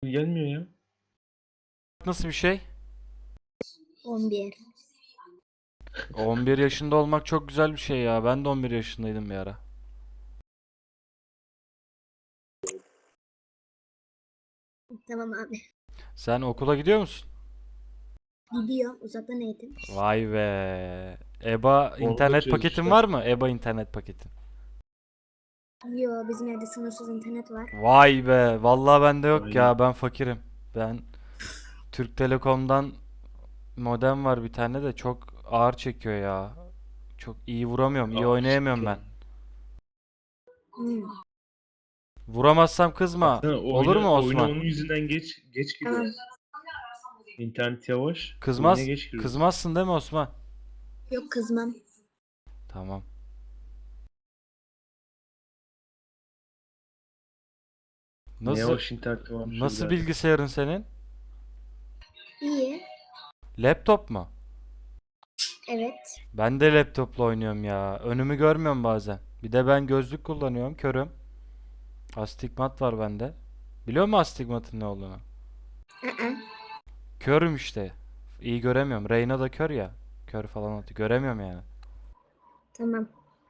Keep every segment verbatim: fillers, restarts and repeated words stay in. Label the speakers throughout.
Speaker 1: Gelmiyor ya.
Speaker 2: Nasıl bir şey?
Speaker 3: on bir.
Speaker 2: on bir yaşında olmak çok güzel bir şey ya. Ben de on bir yaşındaydım bir ara.
Speaker 3: Tamam abi.
Speaker 2: Sen okula gidiyor musun?
Speaker 3: Gidiyor uzaktan eğitim.
Speaker 2: Vay be. EBA
Speaker 1: Onu da
Speaker 2: internet paketin
Speaker 1: çözmüşler.
Speaker 2: var mı? EBA internet paketin.
Speaker 3: Yo, bizim evde sınırsız internet var.
Speaker 2: Vay be. Vallahi bende yok
Speaker 1: Aynen.
Speaker 2: ya. Ben fakirim. Ben Türk Telekom'dan modem var bir tane de çok ağır çekiyor ya. Çok iyi vuramıyorum. iyi
Speaker 1: Aa,
Speaker 2: oynayamıyorum ben.
Speaker 1: işte.
Speaker 3: Hmm.
Speaker 2: Vuramazsam kızma.
Speaker 1: Baksana
Speaker 2: Olur
Speaker 1: oyuna,
Speaker 2: mu
Speaker 1: oyuna
Speaker 2: Osman?
Speaker 1: onun yüzünden geç geç
Speaker 3: Tamam.
Speaker 1: giriyoruz. İnternet yavaş. Oyuna
Speaker 2: Kızmaz.
Speaker 1: geç giriyoruz.
Speaker 2: Kızmazsın değil mi Osman?
Speaker 3: Yok, kızmam.
Speaker 2: Tamam.
Speaker 1: Ne
Speaker 2: Nasıl
Speaker 1: yavaş internet varmış
Speaker 2: nasıl
Speaker 1: birader.
Speaker 2: bilgisayarın senin?
Speaker 3: İyi.
Speaker 2: Laptop mu?
Speaker 3: Evet.
Speaker 2: Ben de laptopla oynuyorum ya. Önümü görmüyorum bazen. Bir de ben gözlük kullanıyorum. Körüm. Astigmat var bende. Biliyor musun astigmatın ne olduğunu?
Speaker 3: Aa.
Speaker 2: Körüm işte. İyi göremiyorum. Reyna da kör ya. Kör falan atıyor. Göremiyorum yani.
Speaker 3: Tamam.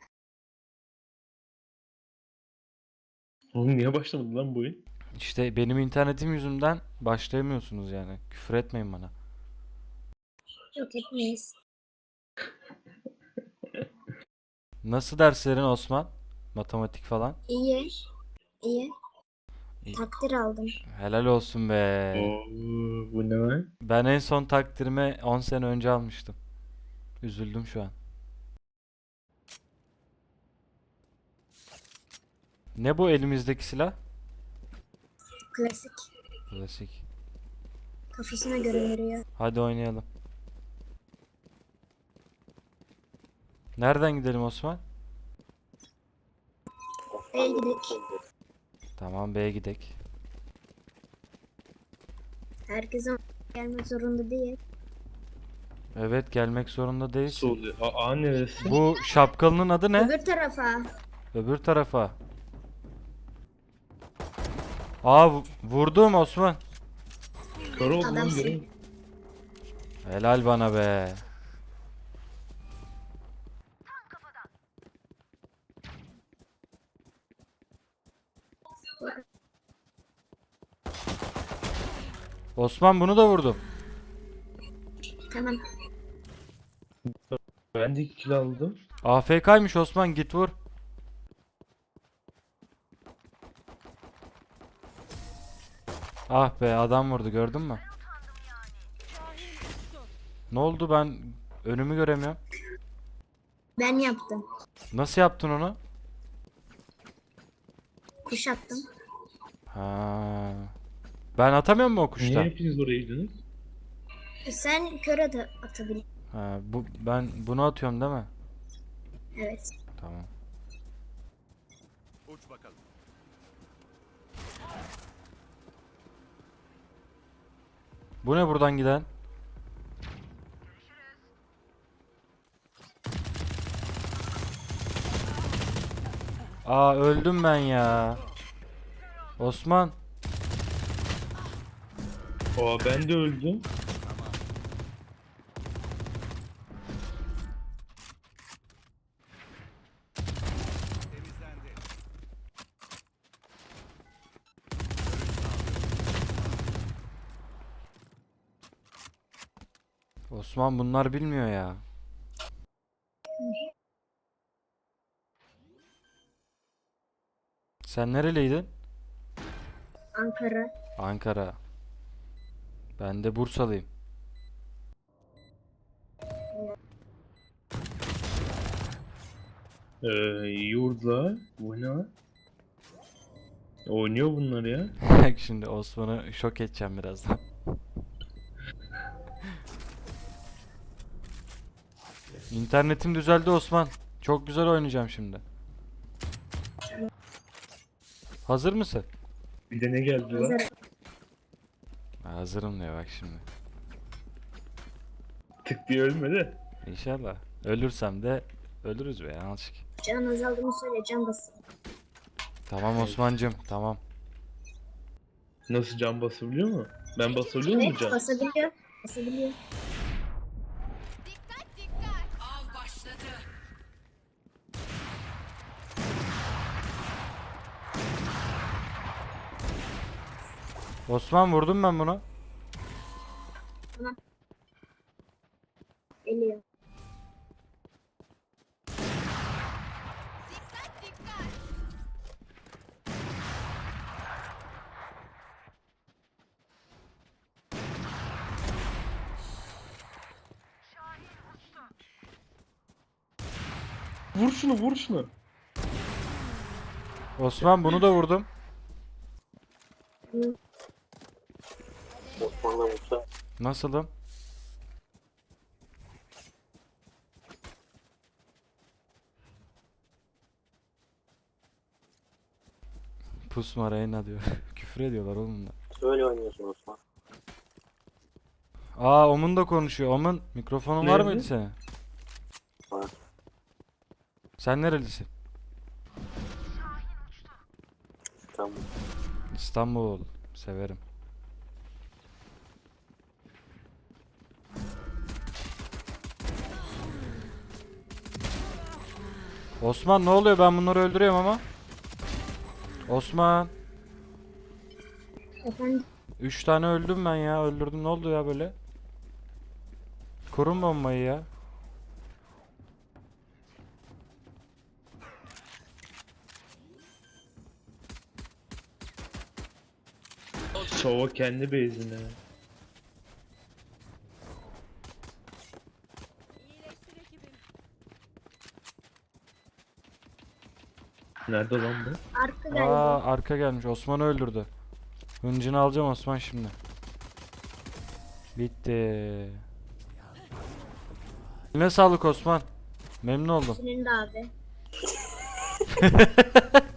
Speaker 1: Oğlum niye başlamadı lan bu oyun?
Speaker 2: İşte benim internetim yüzünden başlayamıyorsunuz yani. Küfür etmeyin bana.
Speaker 3: Yok, etmeyiz.
Speaker 2: Nasıl derslerin Osman? Matematik falan.
Speaker 3: İyi. İyi.
Speaker 2: İyi.
Speaker 3: Takdir aldım.
Speaker 2: Helal olsun be.
Speaker 1: Oo, bu ne lan?
Speaker 2: Ben en son takdirimi on sene önce almıştım. Üzüldüm şu an. Ne bu elimizdeki silah?
Speaker 3: Klasik.
Speaker 2: Klasik.
Speaker 3: Kafasına göre veriyor.
Speaker 2: Hadi oynayalım. Nereden gidelim Osman?
Speaker 3: B'ye gidelim.
Speaker 2: Tamam B'ye gidek.
Speaker 3: Herkese gelmek zorunda değil.
Speaker 2: Evet gelmek zorunda
Speaker 1: Nasıl
Speaker 2: değilsin.
Speaker 1: oluyor? A, A neresi?
Speaker 2: Bu şapkalının adı ne?
Speaker 3: Öbür tarafa.
Speaker 2: Öbür tarafa. Aa vu- vurdum Osman.
Speaker 1: Kör oldum lan
Speaker 3: Adamsın.
Speaker 1: göreyim.
Speaker 2: Helal bana be. Osman bunu da vurdum.
Speaker 3: Tamam.
Speaker 1: Ben de iki kill aldım.
Speaker 2: A F K'ymış Osman git vur. Ah be adam vurdu gördün mü? Ne oldu ben önümü göremiyorum.
Speaker 3: Ben yaptım.
Speaker 2: Nasıl yaptın onu?
Speaker 3: Kuş attım.
Speaker 2: Ha. Ben atamıyor mu o
Speaker 1: Niye
Speaker 2: kuştan?
Speaker 1: hepiniz oraya gidiyorsunuz?
Speaker 3: Sen köre de atabilirsin.
Speaker 2: Ha, bu ben bunu atıyorum değil mi?
Speaker 3: Evet.
Speaker 2: Tamam.
Speaker 4: Uç bakalım.
Speaker 2: Bu ne buradan giden? Aa öldüm ben ya. Osman.
Speaker 1: Aa ben de öldüm.
Speaker 4: Temizlendi.
Speaker 2: Osman bunlar bilmiyor ya. Sen nereliydin?
Speaker 3: Ankara.
Speaker 2: Ankara. Ben de Bursalıyım.
Speaker 1: Ee, yurda. Bu ne lan? Oynuyor bunlar ya.
Speaker 2: Bak şimdi Osman'ı şok edeceğim birazdan. İnternetim düzeldi Osman. Çok güzel oynayacağım şimdi. Hazır mısın?
Speaker 1: Bir de ne geldi lan?
Speaker 3: Hazır.
Speaker 2: Hazırım diyor bak şimdi.
Speaker 1: Tık diye ölme de.
Speaker 2: İnşallah. Ölürsem de ölürüz be yanlışlık.
Speaker 3: Can azaldığını söyle, can basın.
Speaker 2: Tamam Osman'cım tamam.
Speaker 1: Nasıl can basabiliyor mu? Ben basabiliyor muyum
Speaker 3: Evet
Speaker 1: can?
Speaker 3: basabiliyor. Basabiliyor.
Speaker 4: Av başladı.
Speaker 2: Osman vurdum ben bunu.
Speaker 3: Geliyor.
Speaker 1: Vur şunu vur şunu.
Speaker 2: Osman bunu da vurdum.
Speaker 3: Hı.
Speaker 5: Osman'la Musa.
Speaker 2: Nasılım? Pusma Reyna diyor. Küfür ediyorlar oğlum da.
Speaker 5: Öyle oynuyorsun Osman.
Speaker 2: Aa Omun da konuşuyor. Omun mikrofonun var
Speaker 1: Nerede?
Speaker 2: mıydı senin?
Speaker 5: Var.
Speaker 2: Sen nerelisin?
Speaker 5: Tamam.
Speaker 2: İstanbul. Severim. Osman ne oluyor? Ben bunları öldürüyorum ama. Osman.
Speaker 3: Efendim
Speaker 2: Üç tane öldüm ben ya. Öldürdüm. Ne oldu ya böyle? Kurun bombayı ya.
Speaker 1: Sova kendi base'ine. Nerede lan bu?
Speaker 3: arka geldi.
Speaker 2: Aa arka gelmiş. Osman'ı öldürdü. Hıncını alacağım Osman şimdi. Bitti. Ne sağlık Osman. Memnun oldum.
Speaker 3: Senin de abi.